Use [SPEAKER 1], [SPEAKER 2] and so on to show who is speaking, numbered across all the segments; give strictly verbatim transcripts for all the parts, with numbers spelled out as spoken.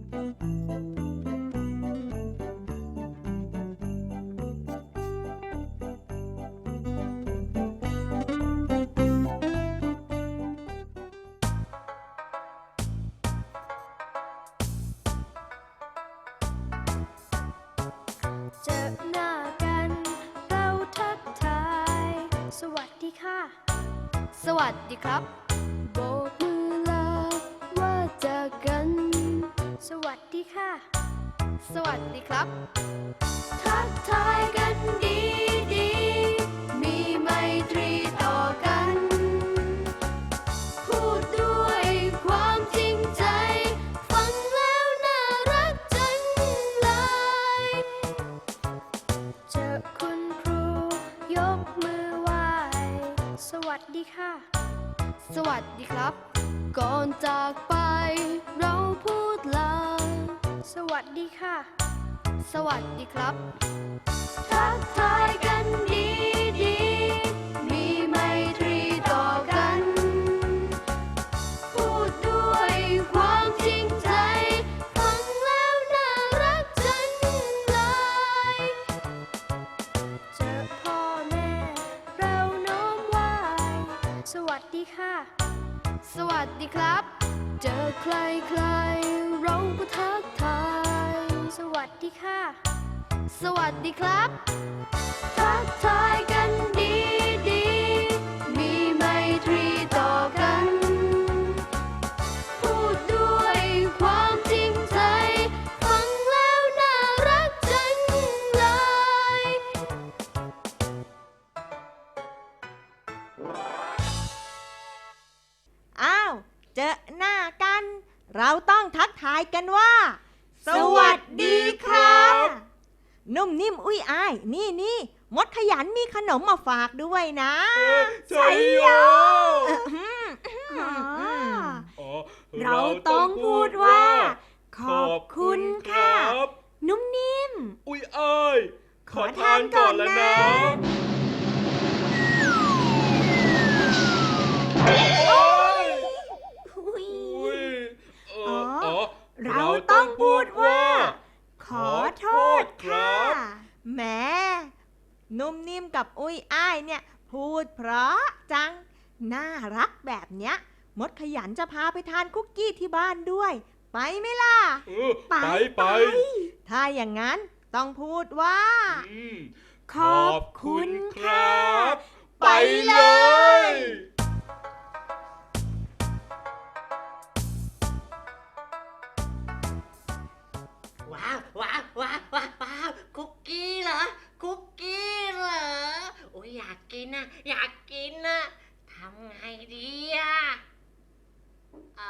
[SPEAKER 1] เจอหน้ากันเราทักทายสวัสดีค่ะสวัสดีครับโบกมือลาว่าเจอกันสวัสดีค่ะสวัสดีครับทักทายกันดีดีมีไมตรีต่อกันพูดด้วยความจริงใจฟังแล้วน่ารักจังเลยเจอคุณครูยกมือไหว้สวัสดีค่ะสวัสดีครับก่อนจากไปเราพูดลาสวัสดีค่ะสวัสดีครับทักทายกันดีดีมีไมตรีต่อกันพูดด้วยความจริงใจฟังแล้วน่ารักจังเลยเจอพ่อแม่เราน้อมไหว้สวัสดีค่ะสวัสดีครับเจอใครใครเราก็ทักทายสวัสดีค่ะสวัสดีครับทักทายกันดีดีมีไมตรีต่อกันพูดด้วยความจริงใจฟังแล้วน่ารักจังเลย
[SPEAKER 2] อ้าวเจอหน้ากันเราต้องทักทายกันว่าสวัสดีครับนุ่มนิ่มอุ้ยอ้ายนี่นี่มดขยันมีขนมมาฝากด้วยนะ
[SPEAKER 3] ใช่โย
[SPEAKER 4] เราต้องพูดว่าขอบคุณค่ะนุ่มนิ่ม
[SPEAKER 3] อุ้ยอ้ายขอทานก่อนแล้วนะ
[SPEAKER 4] เราต้องพูดว่าขอโทษค่ะ
[SPEAKER 2] แหมนุ่มนิ่มกับอุ้ยอ้ายเนี่ยพูดเพราะจังน่ารักแบบเนี้ยมดขยันจะพาไปทานคุกกี้ที่บ้านด้วยไปไหมล่ะ
[SPEAKER 3] ไปไป
[SPEAKER 2] ถ้าอย่างนั้นต้องพูดว่า
[SPEAKER 4] ขอบคุณครับ
[SPEAKER 3] ไปเลย
[SPEAKER 5] ว้าวว้าวว้าวว้าวว้าวคุกกี้เหรอคุกกี้เหรอโอ้ยอยากกินนะอยากกินนะทำไงดีอ่ะอ๋อ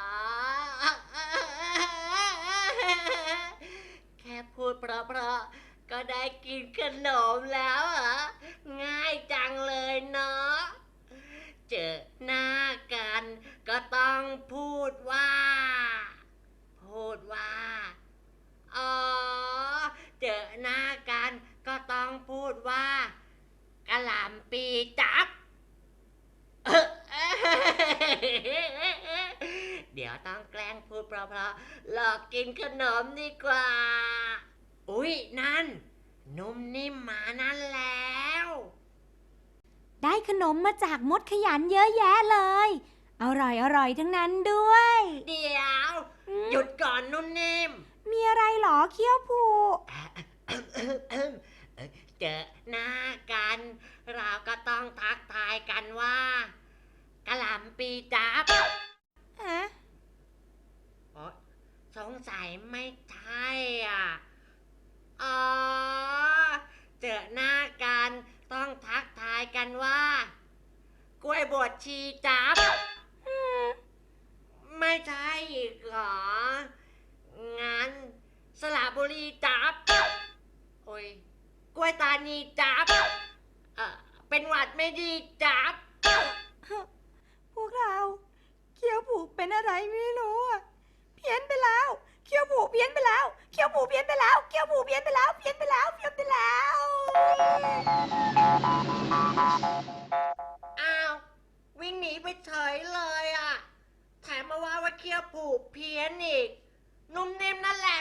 [SPEAKER 5] แค่พูดเพราะๆก็ได้กินขนมแล้วเหรอง่ายจังเลยเนาะเจอหน้ากันก็ต้องพูดว่าพูดว่าอ๋อเจอหน้ากันก็ต้องพูดว่ากะหล่ำปีจับเดี๋ยวต้องแกล้งพูดเพราะๆหลอกกินขนมดีกว่าอุ๊ยนั่นนุ่มนิ่มมานั่นแล้ว
[SPEAKER 4] ได้ขนมมาจากมดขยันเยอะแยะเลยอร่อยอร่อยทั้งนั้นด้วย
[SPEAKER 5] เดี๋ยวหยุดก่อนนุ่มนิ่ม
[SPEAKER 4] มีอะไรหรอเขี้ยวผู
[SPEAKER 5] เจอหน้ากันเราก็ต้องทักทายกันว่ากะหล่ำปีจับ
[SPEAKER 4] ฮะ
[SPEAKER 5] สงสัยไม่ใช่อ่ะอ๋อเจอหน้ากันต้องทักทายกันว่ากล้วยบวชชีจับไม่ใช่อีกเหรองั้นสระบุรีจับโอ้ยกล้วยตานีจับเออเป็นหวัดไม่ดีจับ
[SPEAKER 4] พวกเราเขี้ยวผูกเป็นอะไรไม่รู้อ่ะเพี้ยนไปแล้วเขี้ยวผูกเพี้ยนไปแล้วเขี้ยวผูกเพี้ยนไปแล้วเขี้ยวผูกเพี้ยนไปแล้วเพี้ยนไปแล้วเพี้ยนไปแล้ว
[SPEAKER 5] อ้าววิ่งหนีไปเฉยเลยอ่ะแถมมาว่าว่าเขี้ยวผูกเพี้ยนอีกนุ่มนิ่มนั่นแหละ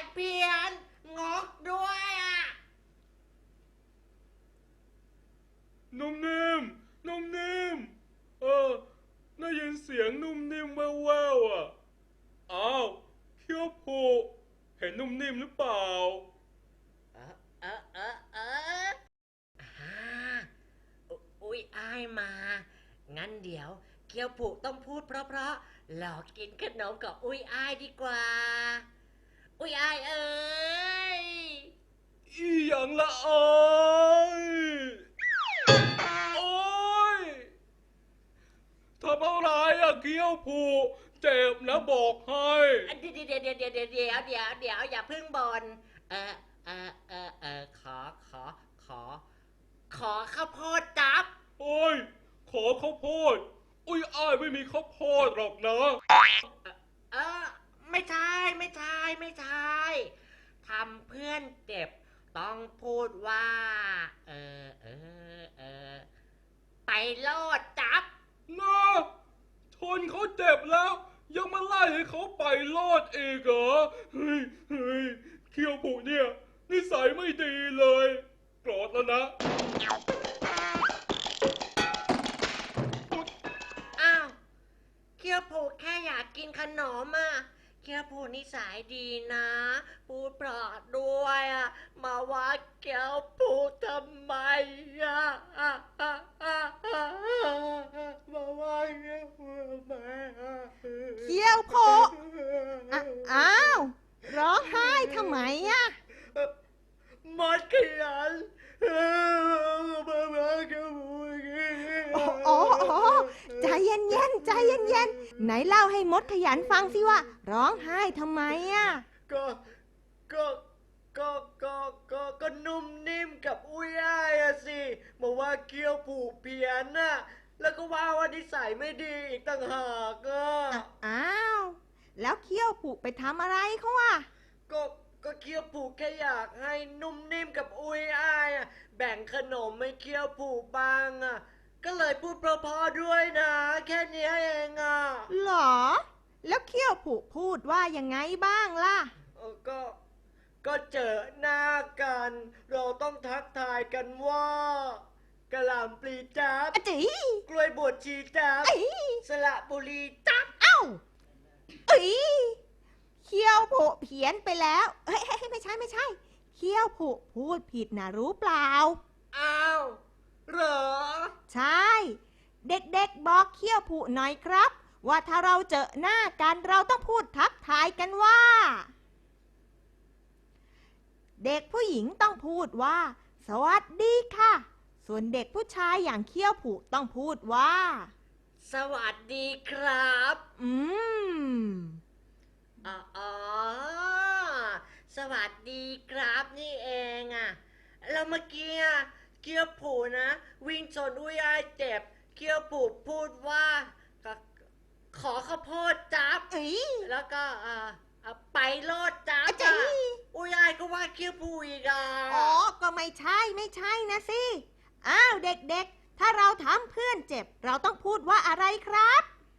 [SPEAKER 3] ผูเห็นนุ่มนิ่มหรือเปล่า
[SPEAKER 5] เออเออเออเอออ่าอุอุ้ยอายมา งั้นเดี๋ยวเกียวผูต้องพูดเพราะๆหลอกกินขนมกับอุ้ยอายดีกว่า อุ้ยอายเอ้ย
[SPEAKER 3] อีหยังละเอ้ยโอ้ยทำอะไรอะเกี้ยวผูเจ็บนะบอกให้
[SPEAKER 5] เดี๋ยวเดี๋ยวเดี๋ยวเดี๋ยวเดี๋ยวเดี๋ยวเดี๋ยวเดี๋ยวอย่าเพิ่งบนเออเออเออเออขอขอขอ ขอข้าวโพดจับ
[SPEAKER 3] โอ้ยขอข้าวโพดอุ้ยอ้ายไม่มีข้าวโพดหรอกนะ
[SPEAKER 5] เออไม่ใช่ไม่ใช่ไม่ใช่ทำเพื่อนเจ็บต้องพูดว่า เออเออเออไปโลดจับ
[SPEAKER 3] นะทนเขาเจ็บแล้ว ยังมาไล่ให้เขาไปรอดอีกเหรอเฮ้ยเฮ้ยเคียวผูเนี่ยนิสัยไม่ดีเลยโกรธแล้วนะ
[SPEAKER 5] อ้าวเคียวผูแค่อยากกินขนมอ่ะเคียวผูนิสัยดีนะพูดเพราะด้วยอ่ะมาว่าเคียวผูทำไมอ่ะอ่ะอ่ะอ่ะอ่ะมาว่าเคียวผูทำไมอ่ะ
[SPEAKER 2] เคี้ยวโพอ่ะอ้าว ร้องไห้ทำไมอะ
[SPEAKER 5] มดขยันมาว่าเคียวผูอย่างงี้
[SPEAKER 2] โอ้โอ้โอ้ใจเย็นเย็นๆใจเย็นเย็นๆไหนเล่าให้มดขยันฟังสิว่า ร้องไห้ทำไมอะ
[SPEAKER 5] ก็ก็ก็ก็ก็ก็นุ่มนิ่มกับอุ้ยอ้ายอะสิมาว่าเคี้ยวผูกเพี้ยนน่ะแล้วก็ว่าว่านิสัยไม่ดีอีกต่างหากอ่ะ
[SPEAKER 2] อ่ะอ้าว แล้วเคี้ยวผูกไปทำอะไรเขาอะ
[SPEAKER 5] ก็ก็เคี้ยวผูกแค่อยากให้นุ่มนิ่มกับอุ้ยอ้ายอะแบ่งขนมให้เคี้ยวผูกบ้างอ่ะก็เลยพูดเพราะๆด้วยนะ แค่เนี้ยเองอ่ะ
[SPEAKER 2] หรอ แล้วเคี้ยวผูกพูดว่ายังไงบ้างล่ะ
[SPEAKER 5] เออก็ ก็เจอหน้ากัน เราต้องทักทายกันว่ากะหล่ำปลีจับ
[SPEAKER 2] อะจี
[SPEAKER 5] กล้วยบวชชีจับ
[SPEAKER 2] ไอ้
[SPEAKER 5] สระบุรีจับ
[SPEAKER 2] เอ้าเอ้ยเคี้ยวผูกเพี้ยนไปแล้ว เฮ้ยเฮ้ยไม่ใช่ไม่ใช่ เคี้ยวผูกพูดผิดนะรู้เปล่า
[SPEAKER 5] อ้าวเหรอ
[SPEAKER 2] ใช่ เด็กๆบอกเคี้ยวผูหน่อยครับ ว่าถ้าเราเจอหน้ากันเราต้องพูดทักทายกันว่า เด็กผู้หญิงต้องพูดว่า สวัสดีค่ะ ส่วนเด็กผู้ชายอย่างเคี้ยวผูต้องพูดว่า
[SPEAKER 5] สวัสดีครับ
[SPEAKER 2] อืม
[SPEAKER 5] อ๋ออสวัสดีครับนี่เองอะแล้วเมื่อกี้อะเกียวผูนะ วิ่งชนอุ้ยอ้ายเจ็บเกียวผูพูดว่าขอขอข้าวโพดจับ
[SPEAKER 2] เอ้ย
[SPEAKER 5] แล้วก็อ่าอ่าไปโลดจับ
[SPEAKER 2] อะจี
[SPEAKER 5] อะอุ้ยอ้ายก็ว่าเกียวผูอีกอ่ะ
[SPEAKER 2] อ๋อ ก็ไม่ใช่ไม่ใช่นะสิ อ้าวเด็กๆ ถ้าเราทำเพื่อนเจ็บ เราต้องพูดว่าอะไรครับ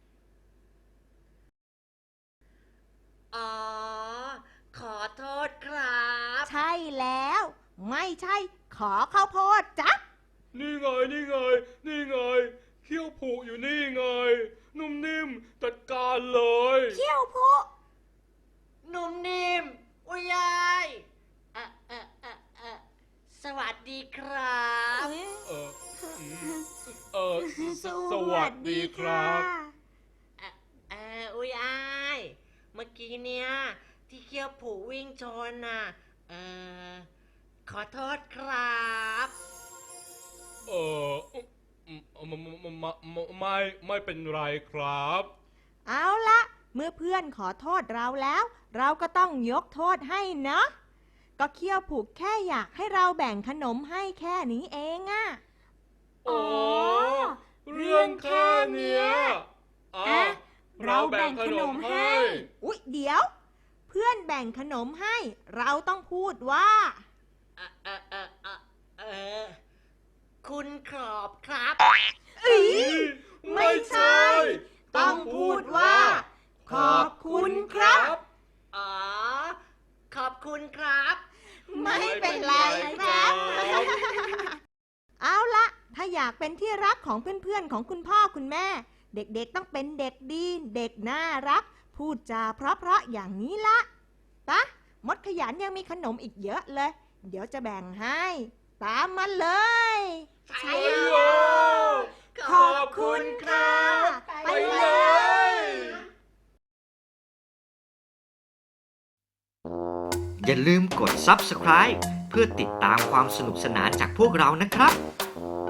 [SPEAKER 5] อ๋อ ขอโทษครับ
[SPEAKER 2] ใช่แล้ว ไม่ใช่ขอข้าวโพดจ๊ะ
[SPEAKER 3] นี่ไงนี่ไง นี่ไงเคี้ยวผูอยู่นี่ไง นุ่มนิ่มจัดการเลย
[SPEAKER 2] เขี้ยวโพ
[SPEAKER 5] นุ่มนิ่มอุ้ยอ้ายเอ่อเอ่อเอ่อเอ่อสวัสดีครับ
[SPEAKER 3] เอออืมเออสสวัสดีครับ
[SPEAKER 5] เอ่อเอ่ออุ้ยอ้ายเมื่อกี้เนี่ยที่เคี้ยวผูวิ่งชนน่ะเอ่อขอโทษครับ
[SPEAKER 3] เอออืมอืมไม่ไม่ไม่ไม่เป็นไรครับ
[SPEAKER 2] เอาละเมื่อเพื่อนขอโทษเราแล้ว เราก็ต้องยกโทษให้เนาะก็เคี้ยวผูกแค่อยากให้เราแบ่งขนมให้แค่นี้เองอะ
[SPEAKER 3] อ๋อ เรื่องแค่เนี้ยอ่ะเราแบ่งขนมให้
[SPEAKER 2] อุ๊ยเดี๋ยว เพื่อนแบ่งขนมให้ เราต้องพูดว่า
[SPEAKER 5] เอ่อเอ่อเอ่อเอ่อเอ่อคุณขอบครับ
[SPEAKER 2] เอ้ย
[SPEAKER 3] ไม่ใช่
[SPEAKER 2] ต้องพูดว่า ขอบคุณครับ
[SPEAKER 5] อ๋อ ขอบคุณครับ
[SPEAKER 2] ไม่เป็นไรครับ เอาละถ้าอยากเป็นที่รักของเพื่อนๆของคุณพ่อคุณแม่ เด็กๆต้องเป็นเด็กดี เด็กน่ารัก พูดจาเพราะๆอย่างนี้ละปะมดขยันยังมีขนมอีกเยอะเลย เดี๋ยวจะแบ่งให้ ตามมาเลย
[SPEAKER 5] ใช่
[SPEAKER 3] ไปเลย
[SPEAKER 5] ขอบคุณครับ
[SPEAKER 3] ไปเลย
[SPEAKER 6] อย่าลืมกด ซับสไครบ์ เพื่อติดตามความสนุกสนานจากพวกเรานะครับ